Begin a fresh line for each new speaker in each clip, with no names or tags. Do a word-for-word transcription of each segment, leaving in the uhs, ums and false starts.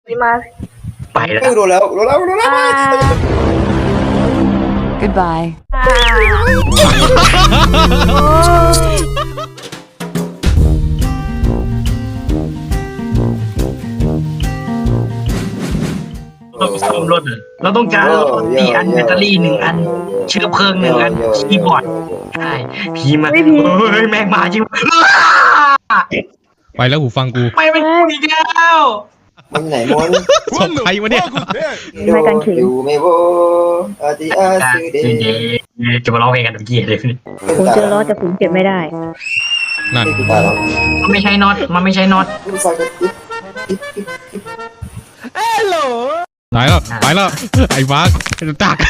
นี่มา
ไปแล้ว
ไม่โดนแล้วโดนแล้วโดนแล้ว
Goodbye.
เราซ่อมรถอะเราต้องการสี่อันแบตเตอรี่หนึ่งอันเชื้อเพลิงหนึ่งอันคีย์บอร์ดใช่พีมาเฮ้ยแม่งมาจริง
ไปแล้วหูฟังกู
ไปเป็นกูอีกแล้ว
มันไหนมอน
ศพใครวะเนี่ย
ไม่กันเข็ม
อยู่ไม่โวอาทิอาซูเด
จะมาร้องเพลงกันตะกี้เลย
ผมเจอล้อแต่ผมเก็บไม่ได้
นั่น
ไม่ตายหรอก
มันไม่ใช่น็อตมันไม่ใช่น็อต
ผู้ชายก็ติ๊บติ๊บติ๊บติ๊บ
ตายแล้วไปแล้วไอ้วากตัก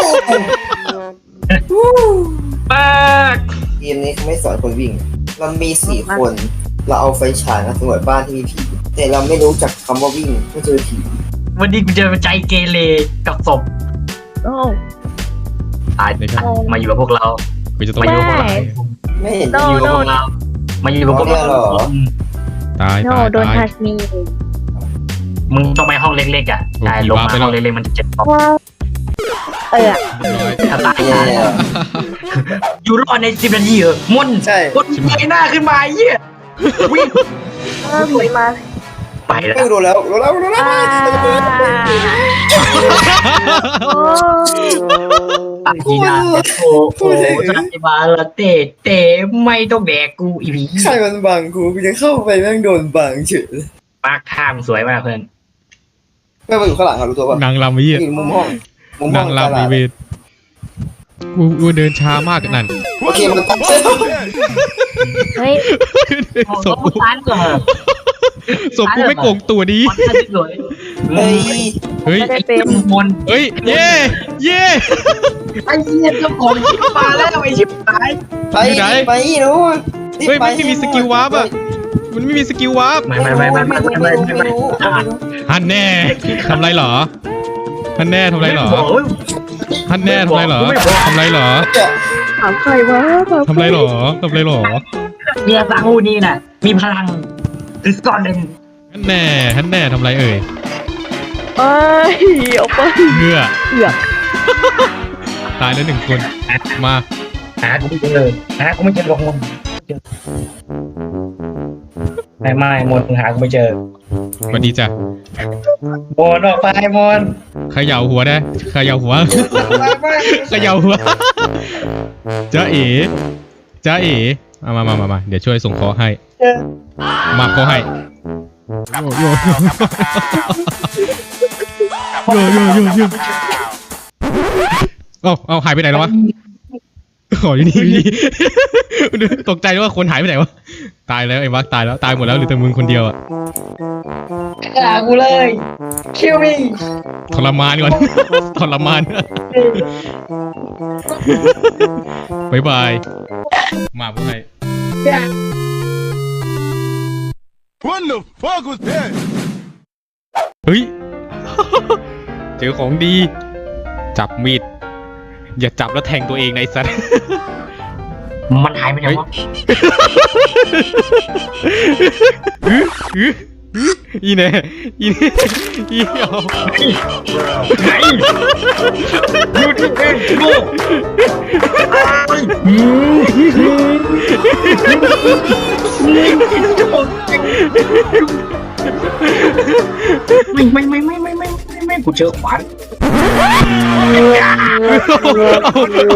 ปาก
เกมนี้เขาไม่สอนคนวิ่ง เรามีสี่คน เราเอาไฟฉายมาสำรวจบ้านที่มีผี แต่เราไม่รู้จักคำว่าวิ่งไม่เจอผี
วันนี้กูเจอใจเกเรกับศพ
โอ้
ตายมาอยู่กับพวกเรา
กูจะต้อง
มาอยู่กับพวกเรา
ไม่เห็น
มาอยู่กับพวกเรามาอยู่กับพวกเรา
ตาย
โน
ตาย
โดน
ตาย
ทัชมี
มึงต้องไปห้องเล็กๆอ่ะใช่ลงมาห้องเล็กๆมันจะเจ็บท้อง
เออ
ถ้าตาย
แย่
อยู่รอดในสิบนาทีเหรอมุ่น
ใช่
กดเงยหน้าขึ้นมาเยี่ยวิ่ง
สวยมา
ไปแล้ว
ไม่โดนแล้วโดนแล้วโดนแล้ว
โอ้
อากีนาโอ้โหสัตบาลเตะเตะไม่ต้องแดกกูอีพี
ใครมันบังกูกูจะเข้าไปแม่งโดนบังเฉย
ปากท่ามสวยมากเพื่อน
แม่งมาอยู่ข้างหลังอะรู้ตัวป่ะ
นางลำไอ้เหี้ย
อยู่มุมห้องมุมห้
นา
อง
งลำไอ้เวทกูกูเดินช้ามากนั่น
โอเคมันตั้ง
เฮ้ย
ศพ
กู
กู
ตานก่อน
ศพกูไม่โกงตัวดี
มันท่าสวย
เฮ้ย
เฮ้ย
ไม่ได้
ไอ้
เป็น
มมน
เฮ้ยเย่เย่
ไอ้เหี้ยเจ้าของชิบมาแล้วไอ้ชิบหาย
ไปไปนู้น
เฮ้ยมันไม่มีสกิลวาร์ปอ่ะมันไม่มีสกิลวาร์ป
ไม่ไม่ไม่ไม่ไม่ไม่ไม่ไม่ไม่
ฮันแน่ทำไรเหรอฮันแน่ทำไรเหรอฮันแน่ทำไรเหรอทำไรเหรอ
ถามใครวะ
ทำไรเหรอทำไรเหรอ
เมียซาฮูนี่น่ะมีพลังคือก่อนหนึ่ง
ฮันแน่ฮันแน่ทำไรเอ่ย
เอ้ยออกไป
เพื่อ
เอือก
ตายแล้วหนึ่งคนมา
หากูไม่เจอหากูไม่เจอหรอกมนไม่ไม่มนหากูไม่เจอ
สวัสดีจ้ะ
มนออกไปมน
เขย่าหัวได้เขย่าหัวเขย่าหัวจ้าเอ๋จ้าเอ๋มามามามามาเดี๋ยวช่วยส่งเคอให้มาเคอให้โยโยโยโยโยโยโยเอาเอาหายไปไหนแล้ววะขออยู่นี่อยู่นี่ตกใจว่าคนหายไปไหนวะตายแล้วไอ้วักตายแล้วตายหมดแล้วเหลือแต่มึงคนเดียวอะ
หากูเลยคิวมี่
ทรมานก่อน ทรมานบายบายมาพวกไง
What the fuck was that?
เฮ้ย เจอของดี จับมีด อย่าจับแล้วแทงตัวเองในะไอ้สัตว์
มันหายไปไหนวะ
อื้ออื้ออื้ออีเน่อีเน่อีเอา
ไหนยูทูบเองลูกไม่ไม่ไม่ไม่ไม่ไม่ไม่ไม่กูเจอขวาน
เอา